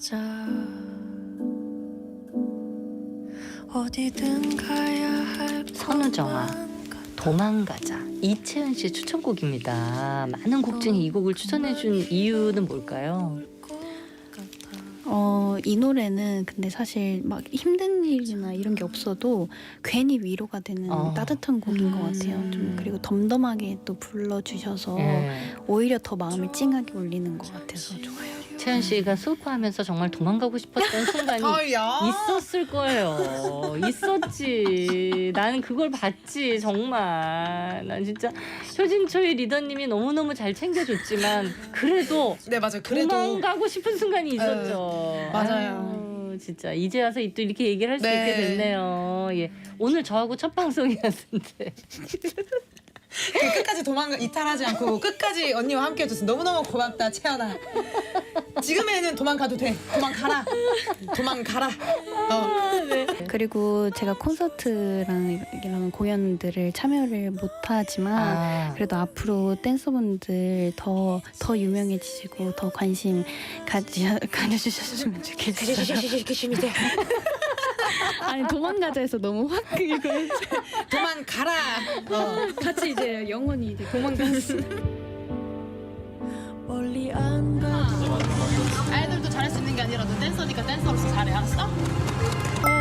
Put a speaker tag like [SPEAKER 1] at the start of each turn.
[SPEAKER 1] 찾아 어디든 가야 할
[SPEAKER 2] 선우정아 도망가자. 이채은 씨의 추천곡입니다. 많은 곡 중에 이 곡을 추천해준 이유는 뭘까요?
[SPEAKER 3] 이 노래는 근데 사실 막 힘든 일이나 이런 게 없어도 괜히 위로가 되는 따뜻한 곡인 것 같아요. 좀 그리고 덤덤하게 또 불러주셔서 오히려 더 마음을 찡하게 울리는 것 같아서 좋아요.
[SPEAKER 2] 채은 씨가 슬퍼하면서 정말 도망가고 싶었던 순간이 있었을 거예요. 있었지. 나는 그걸 봤지 정말. 난 진짜 효진초이 리더님이 너무너무 잘 챙겨줬지만 그래도
[SPEAKER 4] 네 맞아요. 그래도
[SPEAKER 2] 도망가고 싶은 순간이 있었죠.
[SPEAKER 4] 맞아요.
[SPEAKER 2] 아유, 진짜 이제 와서 또 이렇게 얘기를 할 수
[SPEAKER 4] 네.
[SPEAKER 2] 있게 됐네요. 예. 오늘 저하고 첫 방송이었는데
[SPEAKER 4] 그 끝까지 이탈하지 않고 끝까지 언니와 함께 해줘서 너무너무 고맙다 채연아. 지금에는 도망가도 돼. 도망가라.
[SPEAKER 3] 그리고 제가 콘서트랑 이런 공연들을 참여를 못하지만 그래도 앞으로 댄서분들 더 유명해지시고 더 관심 가져주셨으면 좋겠어요. 아니 도망가자 해서 너무 확 이거
[SPEAKER 4] 도망가라.
[SPEAKER 3] 같이 이제 영원히 이제 도망갔어.
[SPEAKER 1] 멀리 안 가도
[SPEAKER 5] 아이돌도 잘할 수 있는 게 아니라 너 댄서니까 댄서로서 잘해, 알았어?